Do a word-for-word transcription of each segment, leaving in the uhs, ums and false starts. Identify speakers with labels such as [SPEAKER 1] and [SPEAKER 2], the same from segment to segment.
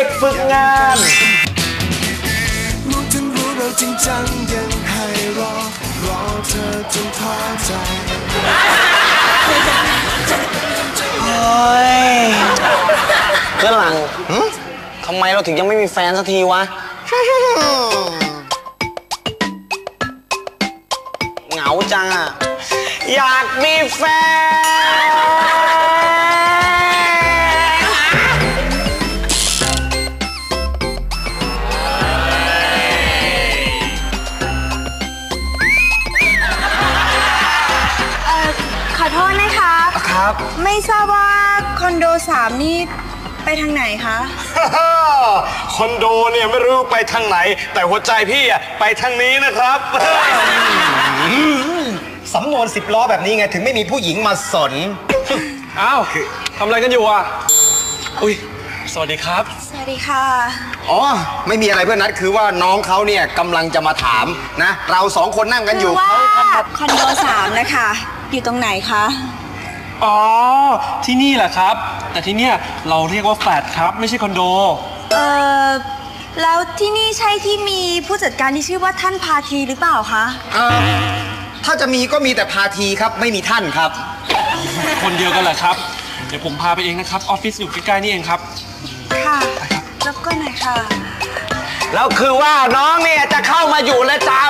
[SPEAKER 1] ด็กฝึกงาน
[SPEAKER 2] รู้ทั้งรู้เราจริงจังยังให้รอรอเธอจนท้อใจ
[SPEAKER 1] โอ้ยเพื่อนหลังทำไมเราถึงยังไม่มีแฟนสักทีวะเหงาจังอ่ะอยากมีแฟน
[SPEAKER 3] ขอโทษนะคะครับไม่ทราบว่าคอนโดสามนี่ไปทางไหนคะ
[SPEAKER 4] คอนโดเนี่ยไม่รู้ไปทางไหนแต่หัวใจพี่อะไปทางนี้นะครับ
[SPEAKER 5] สำนวนสิบล้อแบบนี้ไงถึงไม่มีผู้หญิงมาสน
[SPEAKER 4] อ้าวทำอะไรกันอยู่อ่ะอุ้ยสวัสดีครับ
[SPEAKER 3] สวัสดีค่ะ
[SPEAKER 5] อ๋อไม่มีอะไรเพื่อนนัดคือว่าน้องเขาเนี่ยกำลังจะมาถามนะเราสองคนนั่งกันอยู่
[SPEAKER 3] เขาคอนโดสามนะคะอยู่ตรงไหนคะ
[SPEAKER 4] อ๋อที่นี่แหละครับแต่ที่เนี่ยเราเรียกว่าแฟลตครับไม่ใช่คอนโด
[SPEAKER 3] เออแล้วที่นี่ใช่ที่มีผู้จัดการที่ชื่อว่าท่านพาทีหรือเปล่าคะ
[SPEAKER 5] เออถ้าจะมีก็มีแต่พาทีครับไม่มีท่านครับ
[SPEAKER 4] คนเดียวกันแหละครับเดี๋ยวผมพาไปเองนะครับออฟฟิศอยู่ใกล้ๆนี่เองครับ
[SPEAKER 3] ค่ะแล้วก็ไหนค่ะ
[SPEAKER 1] แล้วคือว่าน้องเนี่ยจะเข้ามาอยู่แล้วจ้า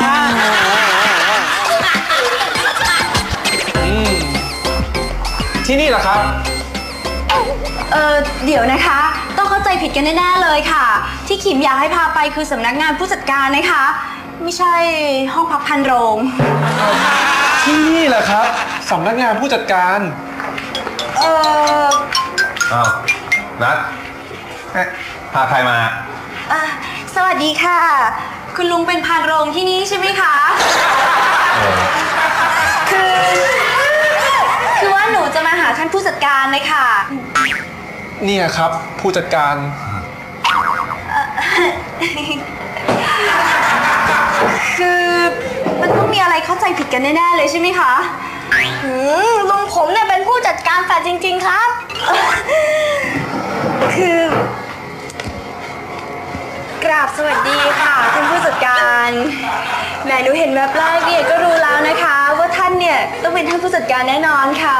[SPEAKER 4] ที่นี่เหรอครับ
[SPEAKER 3] เออเดี๋ยวนะคะต้องเข้าใจผิดกันแน่ๆเลยค่ะที่ขิมอยากให้พาไปคือสำนักงานผู้จัดการนะคะไม่ใช่ห้องพักพันโรง
[SPEAKER 4] ที่นี่เหรอครับสำนักงานผู้จัดการ
[SPEAKER 3] เออ
[SPEAKER 6] อ้าวนัดพาใครมา
[SPEAKER 3] อ่ะสวัสดีค่ะคุณลุงเป็นพานโรงที่นี่ใช่ไหมคะคือคือว่าหนูจะมาหาท่านผู้จัดการเลยค่ะ
[SPEAKER 4] เนี่ยครับผู้จัดการ
[SPEAKER 3] คือมันต้องมีอะไรเข้าใจผิดกันแน่ๆเลยใช่ไหมคะลุงผมเนี่ยเป็นผู้จัดการแฟลตจริงๆครับคือกราบสวัสดีค่ะท่านผู้จัดการแหมหนูเห็นแวบแรกเนี่ยก็รู้แล้วนะคะว่าท่านเนี่ยต้องเป็นท่านผู้จัดการแน่นอนค่ะ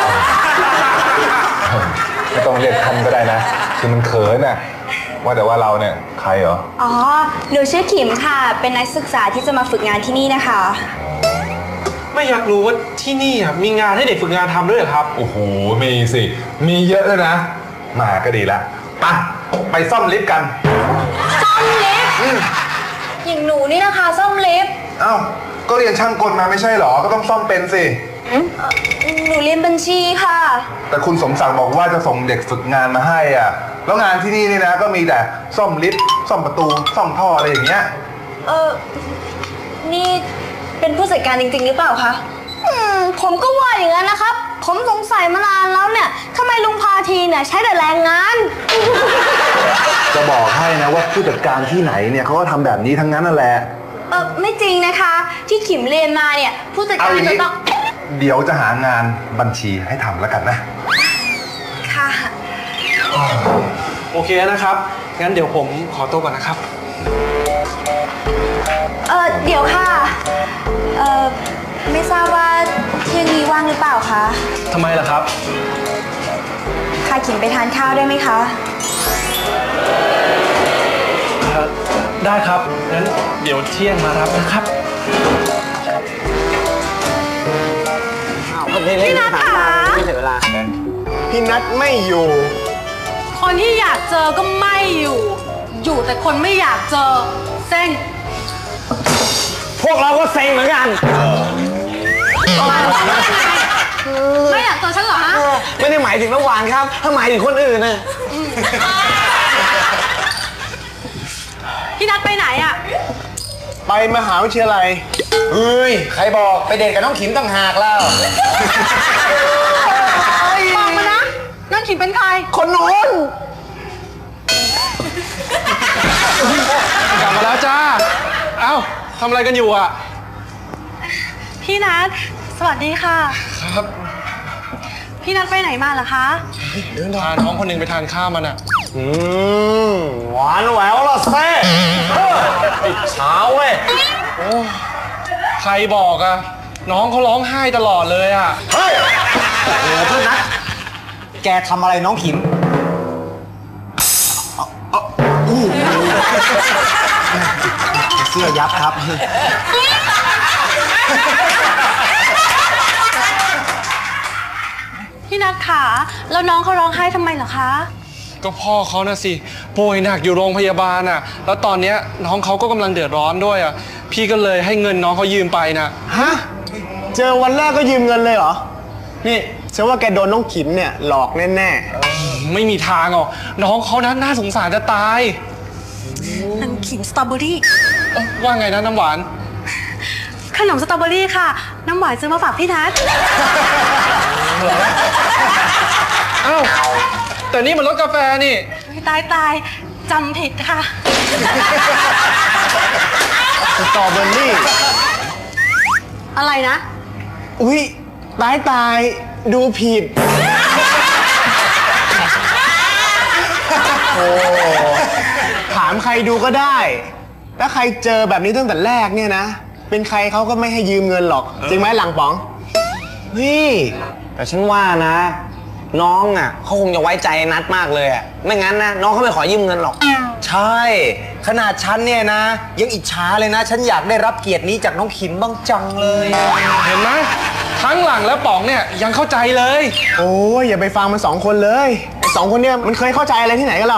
[SPEAKER 6] ไม่ต้องเรียกท่านก็ได้นะคือมันเขินน่ะว่าแต่ว่าเราเนี่ยใครเหรอ
[SPEAKER 3] อ๋อหนูชื่อขิมค่ะเป็นนักศึกษาที่จะมาฝึกงานที่นี่นะคะ
[SPEAKER 4] ไม่อยากรู้ว่าที่นี่มีงานให้เด็กฝึกงานทำด้วยเหรอครับ
[SPEAKER 6] โอ้โหมีสิมีเยอะเลยนะมาก็ดีละไปไปซ่อมลิฟต์กัน
[SPEAKER 3] ซ่อมลิฟต์อย่างหนูนี่นะคะซ่อมลิฟต์
[SPEAKER 6] เอ้าก็เรียนช่างกลมาไม่ใช่หรอก็ต้องซ่อมเป็นสิ
[SPEAKER 3] หนูเรียนบัญชีค่ะ
[SPEAKER 6] แต่คุณสมศักดิ์บอกว่าจะส่งเด็กฝึกงานมาให้อ่ะแล้วงานที่นี่นี่นะก็มีแต่ซ่อมลิฟต์ซ่อมประตูซ่อมท่ออะไรอย่างเงี้ย
[SPEAKER 3] เออนี่เป็นผู้จัดการจริงๆหรือเปล่าคะอืมผมก็ว่าอย่างนั้นนะครับผมสงสัยมานานแล้วเนี่ยทำไมลุงพาทีเนี่ยใช้แต่แรงงาน
[SPEAKER 6] จะบอกให้นะว่าผู้จัดการที่ไหนเนี่ยเขาก็ทำแบบนี้ทั้งนั้นนั่นแหละ
[SPEAKER 3] เออไม่จริงนะคะที่ขิมเรียนมาเนี่ยผู้จัดการจะต้อง
[SPEAKER 6] เดี๋ยวจะหางานบัญชีให้ทำแล้วกันนะ
[SPEAKER 3] ค่ะ
[SPEAKER 4] โอเคนะครับงั้นเดี๋ยวผมขอตัวก่อนนะครับ
[SPEAKER 3] เออเดี๋ยวค่ะเออไม่ทราบว่าเที่ยงนี้ว่างหรือเปล่าคะ
[SPEAKER 4] ทำไมล่ะครับ
[SPEAKER 3] พาขิมไปทานข้าวได้ไหมคะ
[SPEAKER 4] ได้ครับงั้นเดี๋ยวเที่ยงมารับนะครับ
[SPEAKER 3] พี่นัทค่ะ
[SPEAKER 1] ไม่ถึงเวลา
[SPEAKER 5] พี่นัทไม่อยู่
[SPEAKER 7] คนที่อยากเจอก็ไม่อยู่อยู่แต่คนไม่อยากเจอเซ็ง
[SPEAKER 1] พวกเราก็เซ็งเหมือนกัน
[SPEAKER 7] ไม่อยากเจอฉันเหรอฮะ
[SPEAKER 1] ไม่ได้หมายถึงน้ำหวานครับถ้าหมายถึงคนอื่นนะ
[SPEAKER 7] พี่นัทไปไหนอ่ะ
[SPEAKER 5] ไปมหาวิทยาลัยเฮ้ยใครบอกไปเดทกับน้องขิมต่างหากแล้ว
[SPEAKER 7] บอกมานะน้องขิมเป็นใคร
[SPEAKER 5] คนโน้น
[SPEAKER 4] กลับมาแล้วจ้าเอ้าทำอะไรกันอยู่อ่ะ
[SPEAKER 7] พี่นัทสวัสดีค่ะครับพี่นัทไปไหนมาเหรอคะ
[SPEAKER 4] พาน้องคนหนึ่งไปทานข้าวมันอ่ะอืมหวานแหววละเซ่ติดเช้าเว้ยใครบอกอะน้องเขาร้องไห้ตลอดเลยอะเฮ้ย
[SPEAKER 5] โอ้โหเพื่อนนัทแกทำอะไรน้องขิมเสื้อยับครับ
[SPEAKER 7] พี่นัทขาแล้วน้องเขาร้องไห้ทำไมเหรอคะ
[SPEAKER 4] ก็พ่อเขานะสิป่วยหนักอยู่โรงพยาบาลอะแล้วตอนเนี้ยน้องเขาก็กำลังเดือดร้อนด้วยอะพี่ก็เลยให้เงินน้องเขายืมไปนะ
[SPEAKER 1] ฮะ เจอวันแรกก็ยืมเงินเลยเหรอ นี่ฉันว่าแกโดนน้องขิมเนี่ยหลอกแน่ๆ
[SPEAKER 4] ไม่มีทางหรอกน้องเขานะน่าสงสารจะตาย
[SPEAKER 7] นังขิมสตรอเบอรี่
[SPEAKER 4] เอ้าว่าไงนะน้ำหวาน
[SPEAKER 7] ขนมสตรอเบอรี่ค่ะ น้ำหวานซื้อมาฝากพี่นัท
[SPEAKER 4] อ้าวแต่นี่มันรสกาแฟนี่
[SPEAKER 7] ตายตายจำผิดค่ะ
[SPEAKER 1] สตรอเบอรี่
[SPEAKER 7] อะไรนะ
[SPEAKER 1] อุ๊ย ตายตายดูผิด โอ้ถามใครดูก็ได้ ถ้าใครเจอแบบนี้ตั้งแต่แรกเนี่ยนะ เป็นใครเขาก็ไม่ให้ยืมเงินหรอก จริงไหมหลังป๋องเฮ้ยแต่ฉันว่านะ น้องอ่ะเขาคงจะไว้ใจนัดมากเลยอ่ะ ไม่งั้นนะน้องเขาไม่ขอยืมเงินหรอก
[SPEAKER 5] ใช่ ขนาดฉันเนี่ยนะ ยังอิจฉาเลยนะ ฉันอยากได้รับเกียรตินี้จากน้องขิมบ้างจังเลย
[SPEAKER 4] เห็นไหมทั้งหลังและป๋องเนี่ยยังเข้าใจเลย
[SPEAKER 1] โอ้ยอย่าไปฟังมันสองคนเลยไอ้สองคนเนี่ยมันเคยเข้าใจอะไรที่ไหนกันหรอ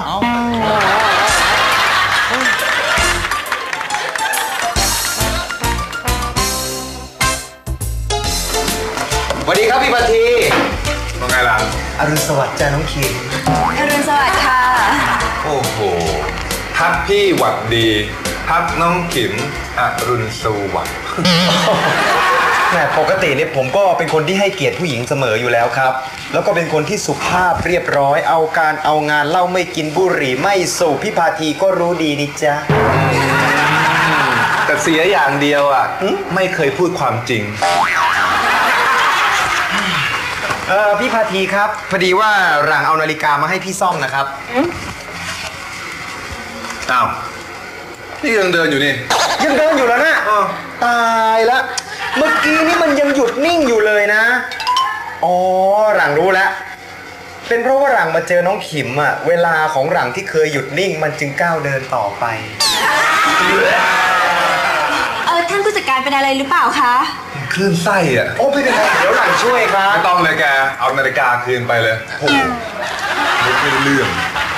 [SPEAKER 5] สวัสดีครับพี่ปาที
[SPEAKER 6] ว่าไงล่ะ
[SPEAKER 5] อรุณสวัสดิ์จ้าน้องขิม
[SPEAKER 3] อรุณสวัสดิ์ค่ะ
[SPEAKER 6] โอ้โหทักพี่หวัดดีทักน้องขิมอรุณสวัสดิ์
[SPEAKER 5] แหมปกติเนี่ยผมก็เป็นคนที่ให้เกียรติผู้หญิงเสมออยู่แล้วครับ แล้วก็เป็นคนที่สุภาพเรียบร้อย เอาการเอางานเหล้าไม่กินบุหรี่ไม่สูบพี่พาทีก็รู้ดีนี่จ๊ะ
[SPEAKER 6] แต่เสียอย่างเดียวอ่ะไม่เคยพูดความจริง
[SPEAKER 5] เออพี่พาทีครับพอดีว่าหลังเอานาฬิกามาให้พี่ซ่อมนะครับ
[SPEAKER 6] อ้าวนี่ยังเดินอยู่นี่
[SPEAKER 5] ยังเดินอยู่แล้วนะตายละเมื่อกี้นี่มันยังหยุดนิ่งอยู่เลยนะอ๋อหลังรู้แล้วเป็นเพราะว่าหลังมาเจอน้องขิมอะเวลาของหลังที่เคยหยุดนิ่งมันจึงก้าวเดินต่อไป
[SPEAKER 3] เออท่านผู้จัดการเป็นอะไรหรือเปล่าคะ
[SPEAKER 6] คลื่นไส้อ่ะ
[SPEAKER 5] โอ้ไม่เป็นไรเดี๋ยวหลังช่วยครับ
[SPEAKER 6] ไม่ต้องเลยแก เอานาฬิกาคืนไปเลยโอ้โหไม่ได้เรื่อง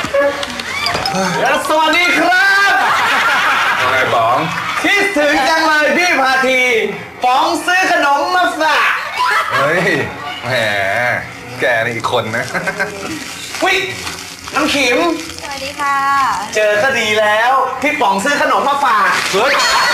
[SPEAKER 1] สวัสดีครับ
[SPEAKER 6] อะไรบ้อง
[SPEAKER 1] คิดถึงจังเลยพี่พาทีป๋องซื้อขนมมาฝาก
[SPEAKER 6] เฮ้ยแหมแกนี่อีกคนนะ
[SPEAKER 1] วิน้ำขิม
[SPEAKER 3] สวัสดีค่ะ
[SPEAKER 1] เจอก็ดีแล้ว พี่ป๋องซื้อขนมมาฝาก
[SPEAKER 6] เฮ้ย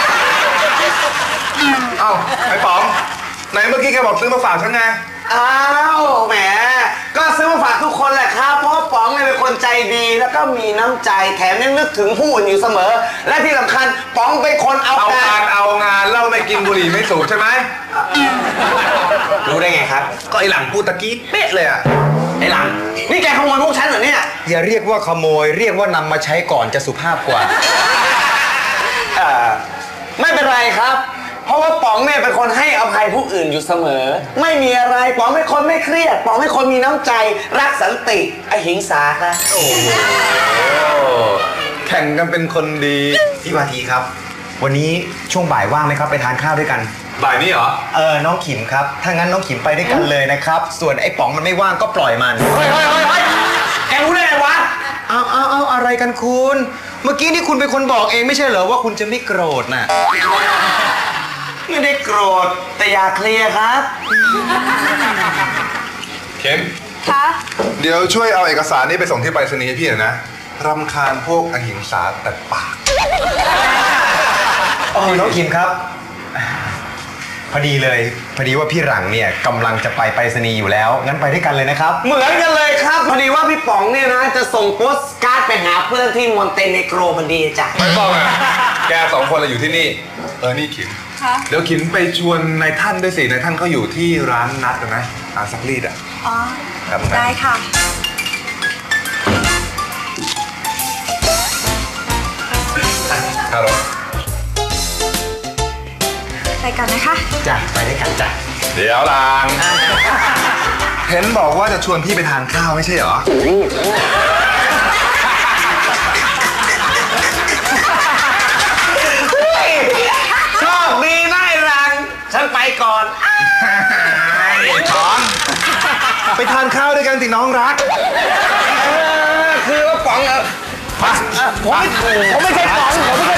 [SPEAKER 6] เอ้าไอ้ป๋องไหนเมื่อกี้แกบอกซื้อมาฝากฉันไง
[SPEAKER 1] อ้าวแหมก็ซื้อมาฝากทุกคนแหละครับเพราะป๋องเนี่ยเป็นคนใจดีแล้วก็มีน้ำใจแถมยังนึกถึงผู้อื่นอยู่เสมอ และที่สำคัญป๋องเป็นคนเอา
[SPEAKER 6] เอา
[SPEAKER 1] กาง
[SPEAKER 6] าร นเอางานเหล่าไม่กินบุหรี่ไม่สูบใช่ไหม
[SPEAKER 1] รู้ได้ไงครับ
[SPEAKER 6] ก็ไอหลังพูดตะกี้เป๊ะเลยอ่ะ
[SPEAKER 1] ไอ้หลังนี่แกขโมยพวกฉันเหรอเนี่ย
[SPEAKER 5] อย่าเรียกว่าขโมยเรียกว่านำมาใช้ก่อนจะสุภาพกว่า
[SPEAKER 1] เอ่อไม่เป็นไรครับ เพราะว่าป๋องเนี่ยเป็นคนให้อภัยผู้อื่นอยู่เสมอ ไม่มีอะไรป๋องเป็นคนไม่เครียดป๋องเป็นคนมีน้ำใจรักสันติอหิงสาครับ
[SPEAKER 6] โอ้แข่งกันเป็นคนดี
[SPEAKER 5] พี่วาทีครับ วันนี้ช่วงบ่ายว่างไหมครับไปทานข้าวด้วยกัน
[SPEAKER 6] บ่ายนี้เหรอ
[SPEAKER 5] เออน้องขิมครับถ้างั้นน้องขิมไปด้วยกันเลยนะครับ ส่วนไอ้ป๋องมันไม่ว่างก็ปล่อยมัน
[SPEAKER 1] เฮ้ยเฮ้ยเฮ้ยเฮ้ยแกรู้ได้ไงวะ
[SPEAKER 5] เอาเอาเอาอะไรกันคุณ เมื่อกี้นี่คุณเป็นคนบอกเองไม่ใช่เหรอว่าคุณจะไม่โกรธน่ะ
[SPEAKER 1] ไม่ได้โกรธแต่อยากเคลียร์ครับ
[SPEAKER 6] เข็ม
[SPEAKER 3] คะ
[SPEAKER 6] เดี๋ยวช่วยเอาเอกสารนี้ไปส่งที่ไปรษณีย์ให้พี่หน่อยนะรำคาญพวกอหิงสาแต่ปาก
[SPEAKER 5] อ๋อน้องขิมครับ พอดีเลย พอดีว่าพี่หลังเนี่ยกำลังจะไปไปรษณีย์อยู่แล้ว งั้นไปด้วยกันเลยนะครับ
[SPEAKER 1] เหมือนกันเลยครับพอดีว่าพี่ป๋องเนี่ยนะจะส่งโปสการ์ดไปหาเพื่อนที่มอนเตเนโกรพอดีจ้ะ
[SPEAKER 6] ไม่ต้องอ่ะ แกสองคนเราอยู่ที่นี่ เออ นี่ขิม
[SPEAKER 3] คะ
[SPEAKER 6] เดี๋ยวขิมไปชวนนายท่านด้วยสินายท่านเขาอยู่ที่ร้านนัดนะอาซักรีดอ่ะ
[SPEAKER 3] อ๋อ
[SPEAKER 6] ครับ
[SPEAKER 3] ได้ค่ะ
[SPEAKER 6] เดี๋ยวหลัง เห็นบอกว่าจะชวนพี่ไปทานข้าวไม่ใช่เหรอ
[SPEAKER 1] โชคดีนะไอ้รัง ฉันไปก่อน
[SPEAKER 6] ช้อนไปทานข้าวด้วยกันสิน้องรัก
[SPEAKER 1] คือว่าป๋องเออผมไม่ผมไม่ใช่ป๋องผมไม่ใช่